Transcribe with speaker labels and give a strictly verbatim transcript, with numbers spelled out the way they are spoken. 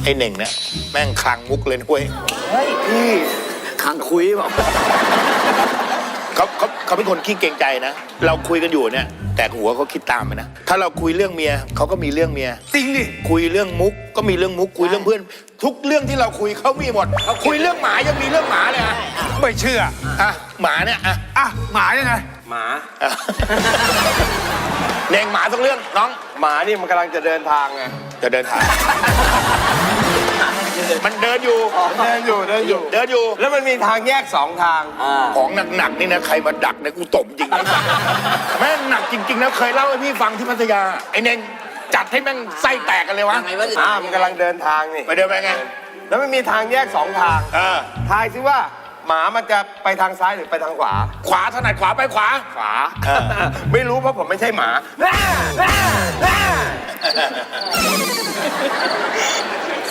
Speaker 1: ไอ้เน่งเนี่ยแม่งคลังมุกเลยนะเว้ย
Speaker 2: เฮ้ยพี่ขังคุยบอก
Speaker 1: เขาเขาเขาเป็นคนขี้เกรงใจนะเราคุยกันอยู่เนี่ยแต่หัวเขาคิดตามไปนะถ้าเราคุยเรื่องเมียเขาก็มีเรื่องเมีย
Speaker 3: จริงดิ
Speaker 1: คุยเรื่องมุกก็มีเรื่องมุกคุยเรื่องเพื่อน ทุกเรื่องที่เราคุยเขามีหมดคุยเรื่องหมายังมีเรื่องหมาเลยอะ
Speaker 3: ไม่เชื่อ
Speaker 1: อ่ะหมาเนี่ยอ่ะ
Speaker 3: อ่ะหมายังไง
Speaker 4: หมา
Speaker 1: อ่ะเน่งหมาสักเรื่องน้อง
Speaker 4: หมานี่มันกำลังจะเดินทางไง
Speaker 1: จะเดินทางมันเดินอยู่
Speaker 4: เดินอยู่เดินอยู่
Speaker 1: เดินอยู่
Speaker 4: แล้วมันมีทางแยกสองทาง
Speaker 1: ของหนักๆนี่นะใครมาดักเนี่ยกูตบจริงนะแม่งหนักจริงๆนะเคยเล่าให้พี่ฟังที่พัทยาไอ้เน่งจัดให้แม่งไส้แตกกันเลยวะ
Speaker 2: ยังไงวะ
Speaker 4: อ่ามันกำลังเดินทางนี่
Speaker 1: ไปเดินไปไง
Speaker 4: แล้วมันมีทางแยกสองทาง
Speaker 1: เออ
Speaker 4: ทายซิว่าหมามันจะไปทางซ้ายหรือไปทางขวา
Speaker 1: ขวาถนัดขวาไปขวา
Speaker 4: ขวา
Speaker 1: เออ
Speaker 4: ไม่รู้เพราะผมไม่ใช่หมา